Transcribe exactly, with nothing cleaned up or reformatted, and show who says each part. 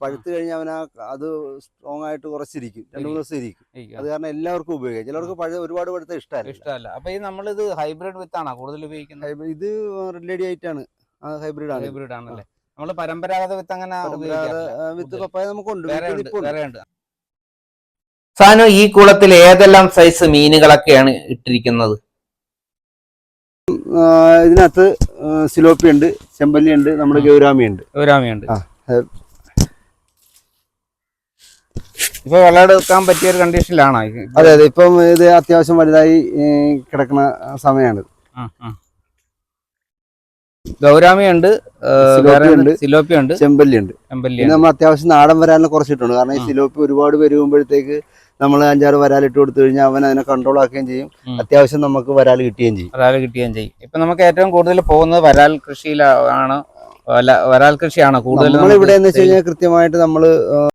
Speaker 1: പഴുത്ത് കഴിഞ്ഞാൽ അവൻ അത് സ്ട്രോങ് ആയിട്ട് കുറച്ചിരിക്കും, രണ്ടു മൂന്ന് ദിവസം ഇരിക്കും. അത് കാരണം എല്ലാവർക്കും ഉപയോഗിക്കാം. ചിലർക്ക് പഴയ ഒരുപാട് പഴുത്ത ഇഷ്ടമല്ല
Speaker 2: ഇഷ്ടമല്ല. അപ്പൊ ഈ നമ്മളിത് ഹൈബ്രിഡ് വിത്താണോ കൂടുതൽ ഉപയോഗിക്കുന്നത്?
Speaker 1: ഇത് റെഡി ആയിട്ടാണ്, ഹൈബ്രിഡ് ആണ്.
Speaker 2: ഹൈബ്രിഡ് ആണല്ലേ. നമ്മള് പരമ്പരാഗത വിത്ത് അങ്ങനെ
Speaker 1: വിത്ത് പപ്പായ നമുക്കുണ്ട്.
Speaker 2: സാനു, ഈ കുളത്തിൽ ഏതെല്ലാം സൈസ് മീനുകളൊക്കെയാണ് ഇട്ടിരിക്കുന്നത്?
Speaker 1: ഇതിനകത്ത് സിലോപ്പി ഉണ്ട്, ചെമ്പല്ലി ഉണ്ട്, നമ്മുടെ ഗൗരാമി ഉണ്ട്.
Speaker 2: ഗൗരാമി ഉണ്ട്. ഇപ്പൊ വിളവെടുക്കാൻ പറ്റിയ ഒരു കണ്ടീഷനിലാണോ?
Speaker 1: അതെ അതെ, ഇപ്പം ഇത് അത്യാവശ്യം വലുതായി കിടക്കുന്ന സമയമാണ്.
Speaker 2: ഗൗരാമി ഉണ്ട്, സിലോപ്പി ഉണ്ട്,
Speaker 1: ചെമ്പല്ലി ഉണ്ട്. നമ്മൾ അത്യാവശ്യം നാടൻ വരാലിനെ കുറച്ചിട്ടുണ്ട്. കാരണം ഈ സിലോപ്പി ഒരുപാട് വരുമ്പോഴത്തേക്ക് നമ്മൾ അഞ്ചാറ് വരാൽ ഇട്ട് കൊടുത്തു കഴിഞ്ഞാൽ അവൻ അതിനെ കൺട്രോൾ ആക്കുകയും ചെയ്യും. അത്യാവശ്യം നമുക്ക് വരാൽ കിട്ടുകയും ചെയ്യും.
Speaker 2: വരാൽ കിട്ടുകയും ചെയ്യും. ഇപ്പൊ നമുക്ക് ഏറ്റവും കൂടുതൽ പോകുന്നത് വരാൽ കൃഷിയിലാണ്. വരാൽ കൃഷിയാണ് കൂടുതൽ.
Speaker 1: നമ്മൾ ഇവിടെ എന്ന് വെച്ച് കഴിഞ്ഞാൽ കൃത്യമായിട്ട് നമ്മള്